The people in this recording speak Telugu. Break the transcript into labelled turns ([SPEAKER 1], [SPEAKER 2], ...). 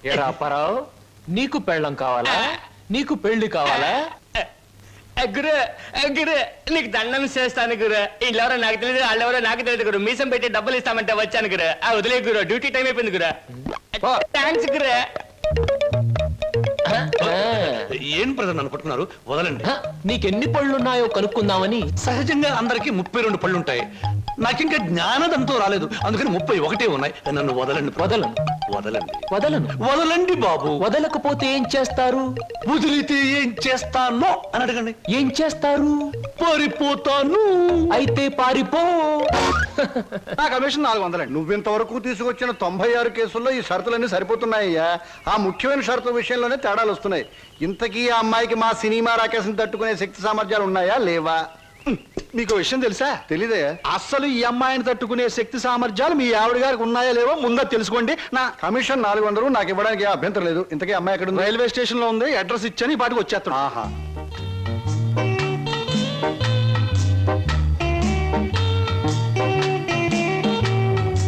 [SPEAKER 1] ఏరా అప్పారావు, నీకు పెళ్ళం కావాలా? నీకు పెళ్లి కావాలా?
[SPEAKER 2] గురు గురు నీకు దండం చేస్తాను గురు. వీళ్ళెవరో నాకు తెలియదు, వాళ్ళెవరో నాకు తెలియదు గురు. మీసం పెట్టి డబ్బులు ఇస్తామంటే వచ్చాను గురు. వదిలే గురు, డ్యూటీ టైం అయిపోయింది గురు. థ్యాంక్స్ గురు.
[SPEAKER 3] ఏం ప్రజలు నన్ను పట్టుకున్నారు, వదలండి.
[SPEAKER 1] నీకెన్ని పళ్ళున్నాయో కనుక్కుందామని.
[SPEAKER 3] సహజంగా అందరికి 32 పళ్ళుంటాయి. నాకింకా జ్ఞానదంతో రాలేదు, అందుకని 31 ఉన్నాయి. నన్ను వదలండి.
[SPEAKER 1] వదలను
[SPEAKER 3] వదలండి
[SPEAKER 1] వదలను.
[SPEAKER 3] వదలండి బాబు.
[SPEAKER 1] వదలకపోతే ఏం చేస్తారు?
[SPEAKER 3] వదిలితే ఏం చేస్తానో అని అడగండి.
[SPEAKER 1] ఏం చేస్తారు?
[SPEAKER 3] పారిపోతాను.
[SPEAKER 1] అయితే పారిపో.
[SPEAKER 4] నా కమిషన్ 400. నువ్వింతవరకు తీసుకొచ్చిన 96 కేసుల్లో ఈ షరతులన్నీ సరిపోతున్నాయ్యా. ఆ ముఖ్యమైన షరతుల విషయంలోనే తేడాలు వస్తున్నాయి. ఇంతకీ ఆ అమ్మాయికి మా సినిమా రాకేశం తట్టుకునే శక్తి సామర్థ్యాలు ఉన్నాయా లేవా?
[SPEAKER 5] మీకు విషయం తెలుసా?
[SPEAKER 4] తెలీదే.
[SPEAKER 5] అస్సలు ఈ అమ్మాయిని తట్టుకునే శక్తి సామర్థ్యాలు మీ ఆవిడ గారికి ఉన్నాయా లేవో ముందా తెలుసుకోండి. నా
[SPEAKER 4] కమిషన్ 400 నాకు ఇవ్వడానికి ఏ అభ్యంతరం లేదు. ఇంతకీ అమ్మాయి ఎక్కడ ఉంది?
[SPEAKER 5] రైల్వే స్టేషన్ లో ఉంది. అడ్రస్ ఇచ్చాను, ఈ పాటికి వచ్చేస్తాను.
[SPEAKER 4] ఆహా.